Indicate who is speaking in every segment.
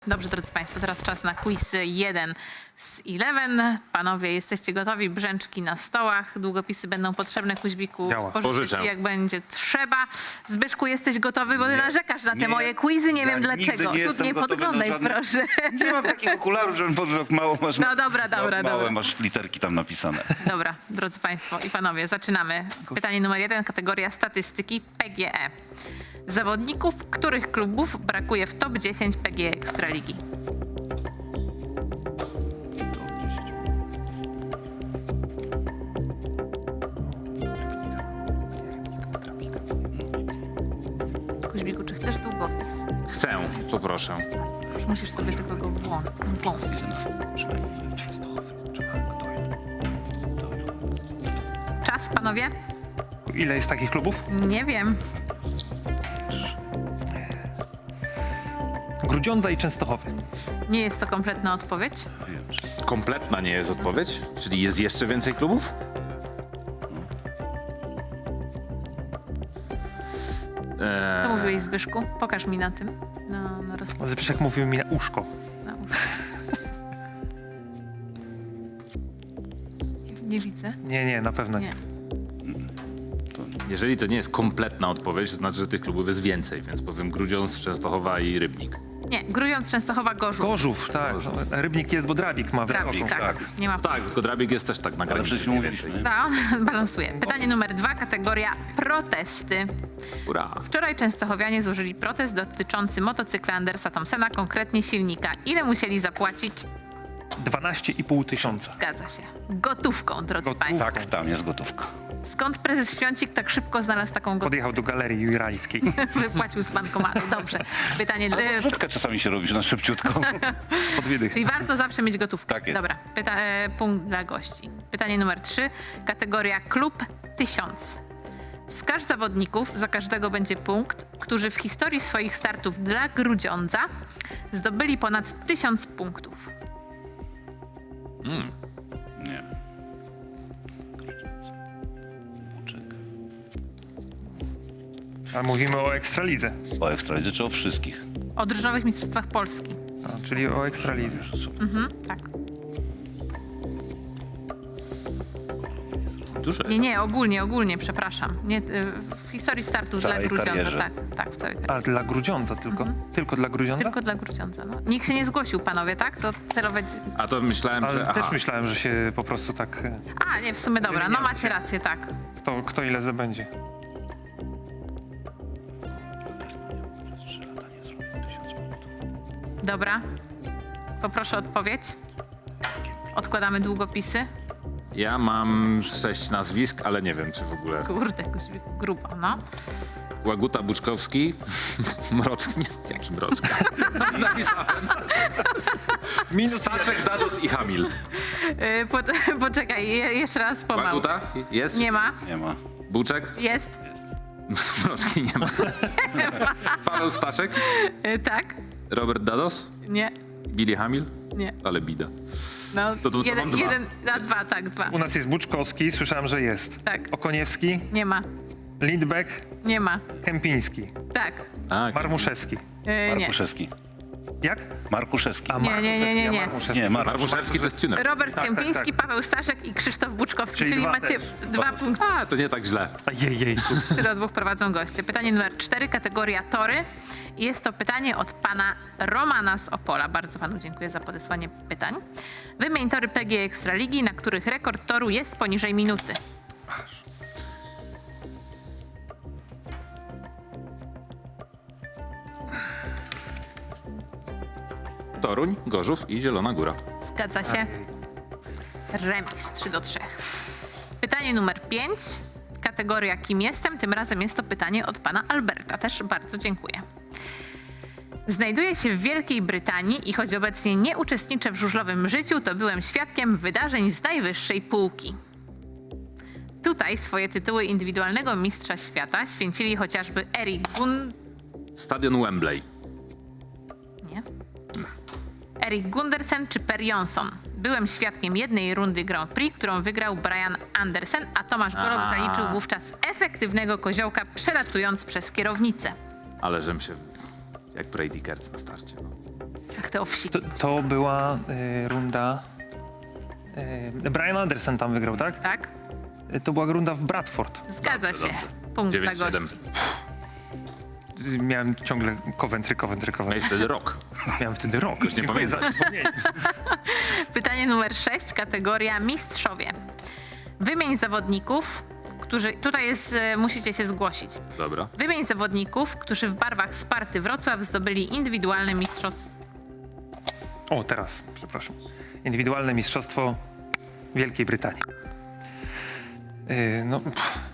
Speaker 1: Dobrze, drodzy Państwo, teraz czas na quiz 1 z 11. Panowie, jesteście gotowi? Brzęczki na stołach. Długopisy będą potrzebne. Kuźbiku, pożyczę ci, jak będzie trzeba. Zbyszku, jesteś gotowy? Bo ty narzekasz na te moje quizy. Nie wiem dlaczego. Tu nie podglądaj, proszę.
Speaker 2: Nie mam takich okularów, że mało masz.
Speaker 1: No dobra.
Speaker 2: Małe masz literki tam napisane.
Speaker 1: Dobra, drodzy Państwo i Panowie, zaczynamy. Pytanie numer 1, kategoria statystyki PGE. Zawodników których klubów brakuje w top 10 PGE Ekstraligi? Kuźbiku, czy chcesz długopis?
Speaker 3: Chcę, poproszę.
Speaker 1: Już musisz sobie tylko go włączyć. Czas, panowie?
Speaker 4: Ile jest takich klubów?
Speaker 1: Nie wiem.
Speaker 4: Grudziądza i Częstochowy.
Speaker 1: Nie jest to kompletna odpowiedź.
Speaker 3: Kompletna nie jest odpowiedź? Czyli jest jeszcze więcej klubów?
Speaker 1: Co mówiłeś, Zbyszku? Pokaż mi na tym. Na
Speaker 4: Zbyszek mówił mi na uszko.
Speaker 1: na uszy. Nie widzę.
Speaker 4: Nie, na pewno nie.
Speaker 1: Nie.
Speaker 3: Jeżeli to nie jest kompletna odpowiedź, to znaczy, że tych klubów jest więcej, więc powiem Grudziądz, Częstochowa i Rybnik.
Speaker 1: Nie, Grudziądz, Częstochowa, Gorzów.
Speaker 4: Gorzów, tak. Rybnik jest, bo Drabik ma
Speaker 1: Drabik,
Speaker 4: wysoką.
Speaker 1: tak. Nie ma.
Speaker 3: Tak, tylko Drabik jest też tak na
Speaker 2: Ale
Speaker 3: granicy.
Speaker 2: przecież mówiliśmy.
Speaker 1: Da, balansuje. Pytanie numer 2, kategoria protesty.
Speaker 3: Ura.
Speaker 1: Wczoraj częstochowianie złożyli protest dotyczący motocykla Andersa Thompsona, konkretnie silnika. Ile musieli zapłacić?
Speaker 4: 12,5 tysiąca.
Speaker 1: Zgadza się. Gotówką, drodzy
Speaker 4: Gotówką.
Speaker 1: Państwo.
Speaker 2: Tak, tam jest gotówka.
Speaker 1: Skąd prezes Świącik tak szybko znalazł taką gotówkę?
Speaker 4: Podjechał do Galerii Jurajskiej.
Speaker 1: Wypłacił z bankomatu. Dobrze. Pytanie...
Speaker 2: Wrzutkę czasami się robisz na szybciutko.
Speaker 4: Pod wydych.
Speaker 1: Czyli warto zawsze mieć gotówkę.
Speaker 2: Tak jest.
Speaker 1: Dobra, punkt dla gości. Pytanie numer 3, kategoria klub 1000. Wskaż zawodników, za każdego będzie punkt, którzy w historii swoich startów dla Grudziądza zdobyli ponad 1000 punktów.
Speaker 2: Nie. Buczek.
Speaker 4: A mówimy o Ekstralidze.
Speaker 2: O Ekstralidze czy o wszystkich?
Speaker 1: O drużynowych mistrzostwach Polski.
Speaker 4: Czyli o Ekstralidze.
Speaker 1: Tak.
Speaker 3: Duże.
Speaker 1: Nie, ogólnie, przepraszam. Nie, w historii startów
Speaker 2: W
Speaker 1: dla
Speaker 2: całej
Speaker 1: Grudziądza.
Speaker 2: karierze.
Speaker 1: Tak, w całej karierze.
Speaker 4: A dla Grudziądza tylko? Tylko dla Grudziądza?
Speaker 1: Tylko dla Grudziądza. No. Nikt się nie zgłosił, panowie, tak? To celowe...
Speaker 3: A to myślałem,
Speaker 4: Ale
Speaker 3: że...
Speaker 4: też myślałem, że się po prostu tak...
Speaker 1: A, nie, w sumie dobra. No macie rację, tak.
Speaker 4: Kto ile zabędzie.
Speaker 1: Dobra. Poproszę odpowiedź. Odkładamy długopisy.
Speaker 3: Ja mam 6 nazwisk, ale nie wiem, czy w ogóle...
Speaker 1: Kurde, grubo, no.
Speaker 3: Łaguta, Buczkowski, Mroczek, nie, jaki Mroczek? Napisałem. Staszek, Dados i Hamil.
Speaker 1: Poczekaj, jeszcze raz pomału.
Speaker 3: Łaguta? Jest?
Speaker 1: Nie ma.
Speaker 2: Nie ma.
Speaker 3: Buczek?
Speaker 1: Jest.
Speaker 3: Mroczki nie ma. Paweł Staszek?
Speaker 1: Tak.
Speaker 3: Robert Dados?
Speaker 1: Nie.
Speaker 3: Billy Hamil?
Speaker 1: Nie.
Speaker 3: Ale bida.
Speaker 1: No,
Speaker 3: To mam dwa.
Speaker 1: jeden, a dwa, tak, dwa.
Speaker 4: U nas jest Buczkowski, słyszałem, że jest.
Speaker 1: Tak.
Speaker 4: Okoniewski,
Speaker 1: Nie ma.
Speaker 4: Lindbeck,
Speaker 1: Nie ma.
Speaker 4: Kępiński,
Speaker 1: Tak.
Speaker 4: Marmuszewski.
Speaker 1: Nie.
Speaker 2: Markuszewski.
Speaker 4: Jak?
Speaker 2: Markuszewski.
Speaker 4: A
Speaker 1: Nie.
Speaker 4: Marmuszewski.
Speaker 2: Nie,
Speaker 3: Marmuszewski to jest tuner.
Speaker 1: Robert
Speaker 4: Tak,
Speaker 1: Kępiński,
Speaker 4: tak.
Speaker 1: Paweł Staszek i Krzysztof Buczkowski,
Speaker 4: Czyli
Speaker 1: czyli
Speaker 4: dwa
Speaker 1: macie
Speaker 4: też.
Speaker 1: 2 punkty.
Speaker 3: A, to nie tak źle.
Speaker 4: Jej.
Speaker 1: 3-2 prowadzą goście. Pytanie numer 4, kategoria tory. Jest to pytanie od pana Romana z Opola. Bardzo panu dziękuję za podesłanie pytań. Wymień tory PGE Ekstraligi, na których rekord toru jest poniżej minuty.
Speaker 3: Toruń, Gorzów i Zielona Góra.
Speaker 1: Zgadza się. Remis 3-3. Pytanie numer 5. Kategoria kim jestem? Tym razem jest to pytanie od pana Alberta. Też bardzo dziękuję. Znajduję się w Wielkiej Brytanii i choć obecnie nie uczestniczę w żużlowym życiu, to byłem świadkiem wydarzeń z najwyższej półki. Tutaj swoje tytuły indywidualnego mistrza świata święcili chociażby Erik
Speaker 3: Stadion Wembley.
Speaker 1: Gundersen czy Per Jonsson. Byłem świadkiem jednej rundy Grand Prix, którą wygrał Brian Andersen, a Tomasz Golob zaliczył wówczas efektywnego koziołka, przelatując przez kierownicę.
Speaker 3: Ale żem się... Jak Brady Kertz na starcie. No.
Speaker 1: Tak, te owsiki.
Speaker 4: To była runda... Brian Anderson tam wygrał, tak?
Speaker 1: Tak?
Speaker 4: To była runda w Bradford.
Speaker 1: Zgadza
Speaker 3: Dobrze,
Speaker 1: się.
Speaker 3: dobrze.
Speaker 1: Punkt dla
Speaker 3: 9-7.
Speaker 1: gości.
Speaker 4: Miałem ciągle Coventry.
Speaker 3: Miałeś wtedy rok.
Speaker 4: Miałem wtedy rok.
Speaker 3: Ktoś nie
Speaker 4: Dziękuję za
Speaker 3: pamięta.
Speaker 4: przypomnienie.
Speaker 1: Pytanie numer 6, kategoria mistrzowie. Wymień zawodników, którzy... Tutaj jest, musicie się zgłosić.
Speaker 3: Dobra.
Speaker 1: Wymień zawodników, którzy w barwach Sparty Wrocław zdobyli indywidualne mistrzostwo.
Speaker 4: O, teraz, przepraszam. Indywidualne mistrzostwo Wielkiej Brytanii. No...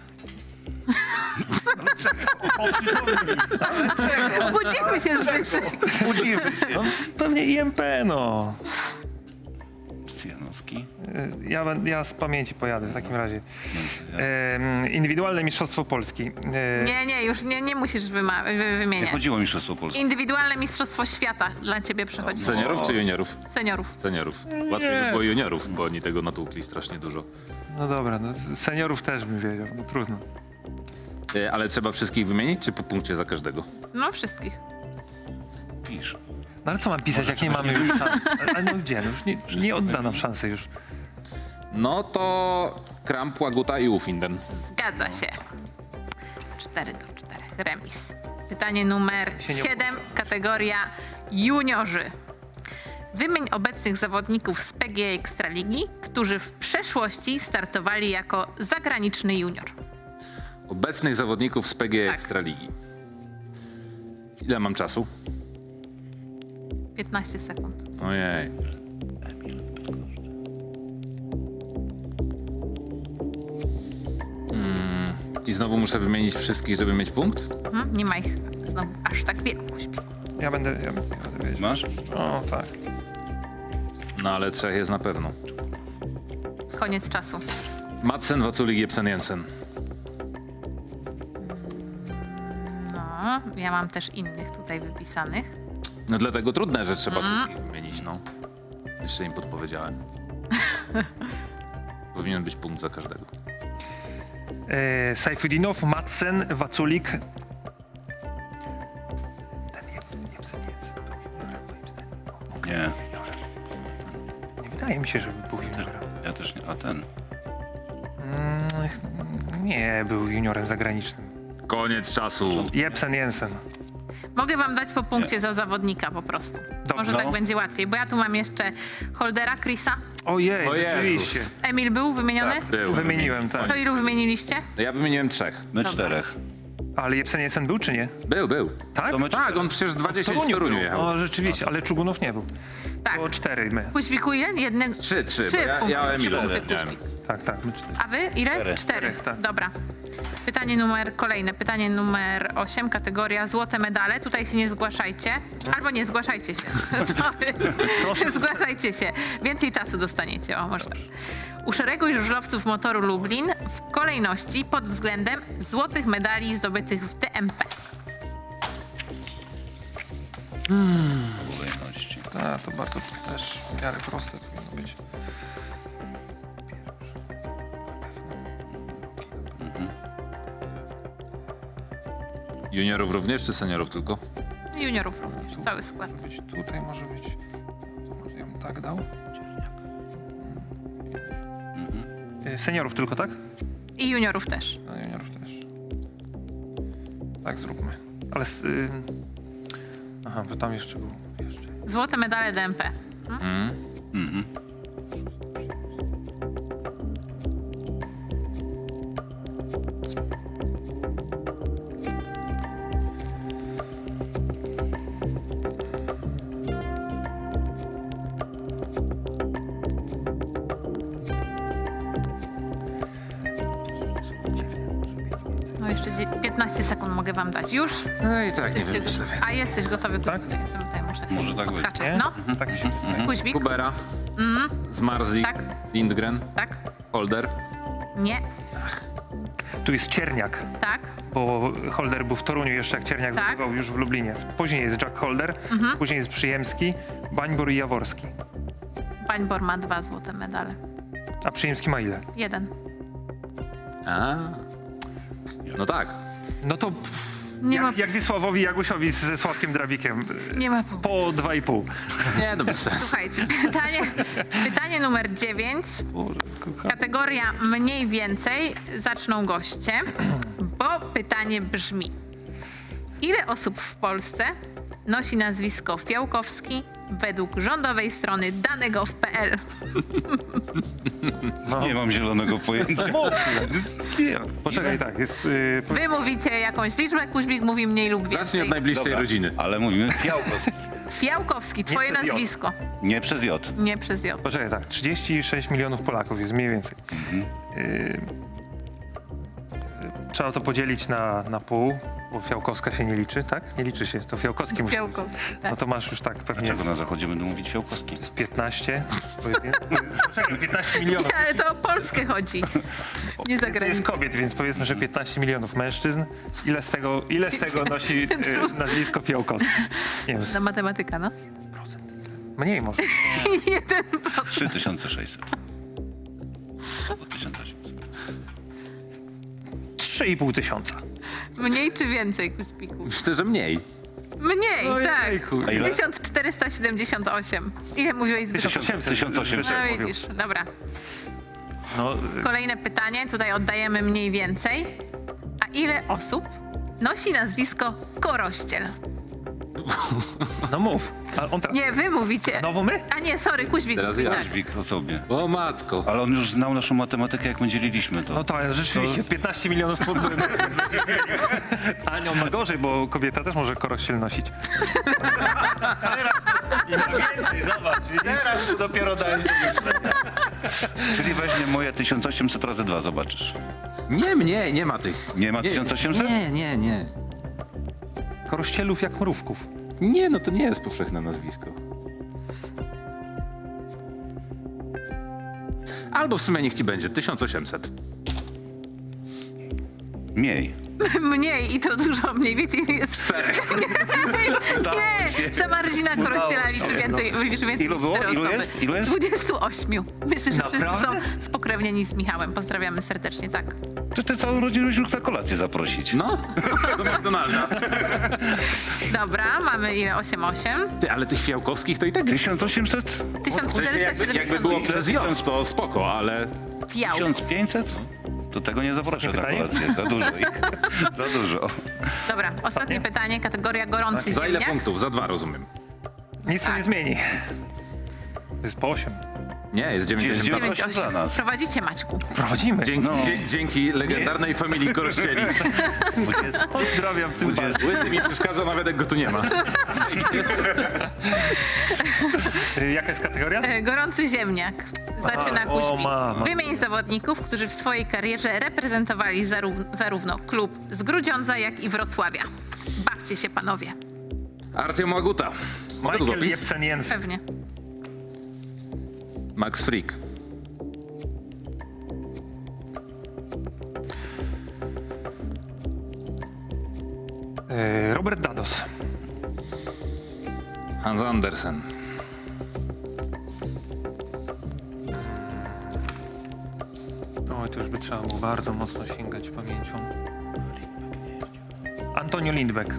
Speaker 1: Budzimy się, Zbyszek.
Speaker 4: Budzimy się. No, pewnie IMP, no.
Speaker 2: Janowski.
Speaker 4: Ja z pamięci pojadę w takim razie. Indywidualne mistrzostwo Polski.
Speaker 1: Nie, już nie musisz
Speaker 2: Nie
Speaker 1: wymieniać.
Speaker 2: chodziło o Mistrzostwo Polskie.
Speaker 1: Indywidualne mistrzostwo świata dla ciebie przechodzi.
Speaker 3: Seniorów czy juniorów?
Speaker 1: Seniorów.
Speaker 3: Seniorów. Łatwiej by było juniorów, bo oni tego natłukli strasznie dużo.
Speaker 4: No dobra, no, seniorów też bym wiedział, no trudno.
Speaker 3: Ale trzeba wszystkich wymienić, czy po punkcie za każdego?
Speaker 1: No wszystkich.
Speaker 2: Pisz.
Speaker 4: No ale co mam pisać, jak nie mamy już szans? Ale no gdzie? No już nie odda nam szansy już.
Speaker 3: No to Kramp, Łaguta i Ufinden.
Speaker 1: Zgadza się. 4-4. Remis. Pytanie numer
Speaker 4: Się nie
Speaker 1: 7, kategoria juniorzy. Wymień obecnych zawodników z PGA Ekstraligi, którzy w przeszłości startowali jako zagraniczny junior.
Speaker 3: Obecnych zawodników z PGA
Speaker 1: Tak.
Speaker 3: Ekstraligi. Ile mam czasu?
Speaker 1: 15 sekund.
Speaker 3: Ojej. I znowu muszę wymienić wszystkich, żeby mieć punkt?
Speaker 1: Nie ma ich znowu aż tak wiele. Kuźmi.
Speaker 4: Ja będę wiedział.
Speaker 2: Masz?
Speaker 4: O, tak.
Speaker 3: No ale 3 jest na pewno.
Speaker 1: Koniec czasu.
Speaker 3: Madsen, Waculik, Jepsen, Jensen.
Speaker 1: No, ja mam też innych tutaj wypisanych.
Speaker 3: No dlatego trudne, że trzeba wszystkich wymienić, no. Jeszcze im podpowiedziałem. Powinien być punkt za każdego.
Speaker 4: Sajfudinow, Madsen, Waculik. Ten Jebsen.
Speaker 2: Nie.
Speaker 4: Nie wydaje mi się, żeby był juniorem.
Speaker 2: Ja też nie. A ten.
Speaker 4: Nie, był juniorem zagranicznym.
Speaker 3: Koniec czasu.
Speaker 4: Jepsen Jensen.
Speaker 1: Mogę wam dać po punkcie za zawodnika po prostu. Może tak będzie łatwiej, bo ja tu mam jeszcze Holdera, Chrisa.
Speaker 4: Ojej,
Speaker 3: O Jezus.
Speaker 4: rzeczywiście.
Speaker 1: Emil był wymieniony?
Speaker 3: Był.
Speaker 4: Wymieniłem, tak.
Speaker 1: To ilu wymieniliście?
Speaker 3: No ja wymieniłem 3.
Speaker 2: My
Speaker 1: Dobra.
Speaker 2: 4.
Speaker 4: Ale Jepsen Jensen był, czy nie?
Speaker 3: Był.
Speaker 4: Tak?
Speaker 2: To my
Speaker 3: Tak,
Speaker 2: 4.
Speaker 3: on przecież 20 w
Speaker 4: był.
Speaker 3: Toruniu jechał.
Speaker 4: O, rzeczywiście, ale Czugunow nie był.
Speaker 1: Tak.
Speaker 4: Było 4 my.
Speaker 1: Kuźbiku ile? Jednego.
Speaker 3: 3,
Speaker 1: Trzy
Speaker 3: bo ja
Speaker 1: punkty.
Speaker 3: Emilu
Speaker 1: Trzy punkty,
Speaker 3: zapomniałem.
Speaker 1: Kuźbik.
Speaker 4: Tak, my 4.
Speaker 1: A wy ile?
Speaker 2: 4.
Speaker 1: 4.
Speaker 4: tak.
Speaker 1: Dobra. Kolejne pytanie numer 8, kategoria złote medale. Tutaj się nie zgłaszajcie. Albo nie, zgłaszajcie się. Sorry. Zgłaszajcie się. Więcej czasu dostaniecie. O, może tak. Uszereguj żużlowców motoru Lublin w kolejności pod względem złotych medali zdobytych w DMP.
Speaker 2: Kolejności.
Speaker 4: A, to bardzo też w miarę proste powinno być.
Speaker 3: Juniorów również, czy seniorów tylko?
Speaker 1: Juniorów również. Cały skład.
Speaker 4: Może być tutaj, może być... To może ja bym tak dał. Seniorów tylko, tak?
Speaker 1: I juniorów też.
Speaker 4: A juniorów też. Tak zróbmy. Ale... Aha, bo tam jeszcze był...
Speaker 1: Złote medale DMP. No jeszcze 15 sekund mogę wam dać. Już?
Speaker 3: No i tak, nie
Speaker 1: Jesteście-
Speaker 3: wymyślę.
Speaker 1: A jesteś gotowy?
Speaker 4: Tak?
Speaker 1: Tutaj muszę
Speaker 2: Może tak być.
Speaker 1: odhaczać.
Speaker 4: Nie?
Speaker 1: No,
Speaker 4: Tak mi się wydaje.
Speaker 1: Kuźbik?
Speaker 3: Kubera, Zmarzlik,
Speaker 1: Tak.
Speaker 3: Lindgren,
Speaker 1: Tak?
Speaker 3: Holder.
Speaker 1: Nie.
Speaker 4: Tu jest Cierniak,
Speaker 1: Tak?
Speaker 4: bo Holder był w Toruniu jeszcze, jak Cierniak
Speaker 1: Tak.
Speaker 4: zdobywał już w Lublinie. Później jest Jack Holder, później jest Przyjemski, Bańbor i Jaworski.
Speaker 1: Bańbor ma 2 złote medale.
Speaker 4: A Przyjemski ma ile?
Speaker 1: 1.
Speaker 3: A. No tak.
Speaker 4: No to
Speaker 1: Nie ma,
Speaker 4: Jak Wisławowi Jagusiowi ze Sławkiem Drabikiem.
Speaker 1: nie ma
Speaker 4: Po 2,5.
Speaker 3: Nie, no bez sensu.
Speaker 1: Słuchajcie, pytanie numer 9. Kategoria mniej więcej zaczną goście, bo pytanie brzmi: ile osób w Polsce nosi nazwisko Fiałkowski według rządowej strony dane.gov.pl?
Speaker 2: Nie mam zielonego pojęcia. Nie.
Speaker 4: Poczekaj, tak, jest...
Speaker 1: Wy mówicie jakąś liczbę, Kuźmik mówi mniej lub
Speaker 3: Zacznij
Speaker 1: więcej.
Speaker 3: od najbliższej
Speaker 2: Dobra,
Speaker 3: rodziny.
Speaker 2: ale mówimy Fiałkowski.
Speaker 1: Fiałkowski, twoje
Speaker 4: przez J.
Speaker 1: nazwisko.
Speaker 2: Nie przez J.
Speaker 1: Nie przez J.
Speaker 4: Poczekaj, tak, 36 milionów Polaków jest mniej więcej. Trzeba to podzielić na pół, bo Fiałkowska się nie liczy, tak? Nie liczy się, to Fiałkowski musi.
Speaker 1: Fiałkowski,
Speaker 4: No
Speaker 1: tak.
Speaker 4: to masz już tak pewnie
Speaker 2: Dlaczego na zachodzie będą mówić Fiałkowski?
Speaker 4: z 15. Poczekaj, 15 milionów.
Speaker 1: Ale to o Polskę chodzi. Nie za
Speaker 4: To jest
Speaker 1: granicę.
Speaker 4: kobiet, więc powiedzmy, że 15 milionów mężczyzn. Ile z tego nosi nazwisko Fiałkowski? Nie wiem,
Speaker 1: Na matematyka, no.
Speaker 4: mniej może.
Speaker 2: 3600. Albo 1800.
Speaker 4: 3,5 tysiąca.
Speaker 1: Mniej czy więcej, Kuźmiku?
Speaker 3: Myślę, że mniej.
Speaker 1: Mniej, tak.
Speaker 2: A ile?
Speaker 1: 1478. Ile mówiłeś zbyt?
Speaker 4: 1800.
Speaker 2: 1800.
Speaker 1: No widzisz, dobra.
Speaker 4: No,
Speaker 1: Kolejne pytanie, tutaj oddajemy mniej więcej. A ile osób nosi nazwisko Korościel?
Speaker 4: no mów. A on teraz...
Speaker 1: Nie, wy mówicie.
Speaker 4: Znowu my?
Speaker 1: A nie, sorry, Kuźmik
Speaker 3: Teraz
Speaker 1: mówi
Speaker 3: ja.
Speaker 1: tak.
Speaker 2: Dźwig o sobie.
Speaker 3: O matko.
Speaker 2: Ale on już znał naszą matematykę, jak my dzieliliśmy to.
Speaker 4: No to ale rzeczywiście, 15 milionów podmył. A nie, on ma gorzej, bo kobieta też może korościel nosić. I na więcej, zobacz.
Speaker 2: Teraz dopiero dajesz do myślenia. Czyli weźmie moje 1800 razy 2, zobaczysz.
Speaker 3: Nie, mniej, nie ma tych.
Speaker 2: Nie ma 1800?
Speaker 3: Nie.
Speaker 4: Korościelów jak mrówków.
Speaker 3: Nie, no to nie jest powszechne nazwisko. Albo w sumie niech ci będzie 1800.
Speaker 2: Mniej.
Speaker 1: Mniej i to dużo mniej. Wiecie, ile jest?
Speaker 3: 4.
Speaker 1: Nie, sama rodzina Korościela liczy więcej
Speaker 2: Ilu
Speaker 1: niż
Speaker 2: było?
Speaker 1: 4
Speaker 2: Ilu
Speaker 1: osoby.
Speaker 2: jest? Ilu jest?
Speaker 1: 28. Myślę, że wszyscy
Speaker 4: Naprawdę?
Speaker 1: są spokrewnieni z Michałem. Pozdrawiamy serdecznie, tak.
Speaker 2: To ty całą rodzinę byś mógł na kolację zaprosić.
Speaker 3: No, do McDonalda.
Speaker 1: Dobra, mamy ile? 8,8.
Speaker 3: Ty, ale tych Fiałkowskich to i tak...
Speaker 2: 1800?
Speaker 3: W sensie jakby
Speaker 1: 1470.
Speaker 3: było przez J, to spoko, ale...
Speaker 1: Fiał.
Speaker 2: 1500? To tego nie zaproszę na
Speaker 4: pytanie?
Speaker 2: kolację. Za dużo ich. Za dużo.
Speaker 1: Dobra, ostatnie pytanie, kategoria gorący
Speaker 3: Za ile
Speaker 1: ziemniak.
Speaker 3: punktów? Za 2, rozumiem.
Speaker 4: Nic to
Speaker 1: Tak.
Speaker 4: nie zmieni. To jest po 8.
Speaker 3: Nie, jest 90.
Speaker 2: 9,8 dla
Speaker 1: 9,8.
Speaker 2: nas.
Speaker 1: Prowadzicie, Maćku.
Speaker 4: Prowadzimy.
Speaker 3: Dzięki,
Speaker 2: No.
Speaker 3: dzięki legendarnej familii Korościeli.
Speaker 4: Pozdrawiam tym bardziej.
Speaker 3: Łysy mi przeszkadza, nawet jak go tu nie ma.
Speaker 4: Jaka jest kategoria?
Speaker 1: Gorący ziemniak. Zaczyna
Speaker 4: Aha, o,
Speaker 1: Kuźmik.
Speaker 4: mama.
Speaker 1: Wymień zawodników, którzy w swojej karierze reprezentowali zarówno klub z Grudziądza, jak i Wrocławia. Bawcie się, panowie.
Speaker 3: Artyom Łaguta. Mogę
Speaker 4: Michael
Speaker 3: długopis?
Speaker 4: Jepsen-Jensen.
Speaker 1: Pewnie.
Speaker 3: Max Frick.
Speaker 4: Robert Dados.
Speaker 3: Hans Andersen.
Speaker 4: Oj, to już by trzeba było bardzo mocno sięgać pamięcią. Antonio Lindbeck.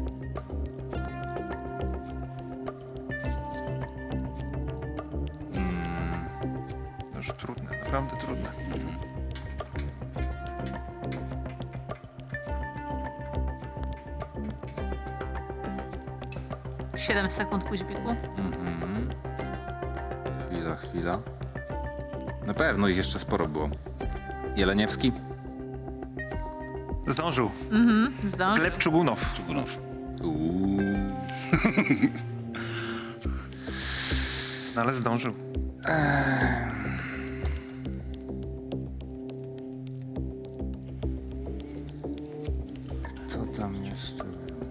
Speaker 4: To już trudne, naprawdę trudne.
Speaker 1: - 7 sekund, Kuźbiku.
Speaker 3: Chwila. Na pewno ich jeszcze sporo było. Jeleniewski.
Speaker 4: Zdążył.
Speaker 1: Zdążył.
Speaker 4: Gleb Czugunow.
Speaker 2: Czugunow.
Speaker 4: No, ale zdążył.
Speaker 3: Co tam jeszcze?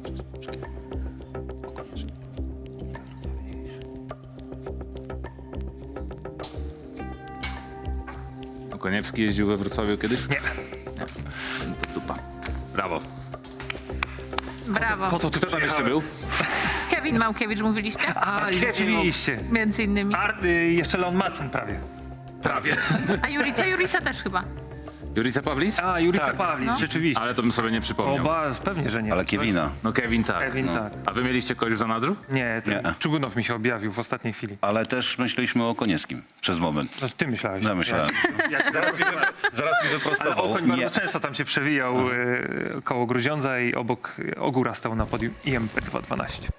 Speaker 3: Okoniewski jeździł we Wrocławiu kiedyś?
Speaker 4: Nie.
Speaker 3: To dupa. Brawo.
Speaker 1: Brawo.
Speaker 4: Po to tu
Speaker 3: Kto tam jeszcze
Speaker 4: przyjechałem.
Speaker 3: był?
Speaker 1: Kevin Małkiewicz mówiliście?
Speaker 4: A, i rzeczywiście.
Speaker 1: Między innymi.
Speaker 4: Jeszcze Leon Madsen prawie.
Speaker 3: Prawie.
Speaker 1: A Jurica też chyba.
Speaker 3: Jurica Pawlis?
Speaker 4: A, Jurica Pawlis, rzeczywiście.
Speaker 3: Ale to bym sobie nie przypomniał.
Speaker 4: Pewnie, że nie.
Speaker 2: Ale Kevina.
Speaker 3: No Kevin tak.
Speaker 4: Kevin,
Speaker 3: no.
Speaker 4: tak.
Speaker 3: A wy mieliście kogoś w zanadrzu?
Speaker 4: Nie, ten
Speaker 2: Nie.
Speaker 4: Czugunow mi się objawił w ostatniej chwili.
Speaker 2: Ale też myśleliśmy o Konieckim przez moment.
Speaker 4: Znaczy, ty myślałeś.
Speaker 2: No, myślałem. Zaraz mi
Speaker 4: Ale
Speaker 2: wyprostował.
Speaker 4: Okoń bardzo często tam się przewijał koło Grudziądza i obok Ogóra stał na podium IMP 212.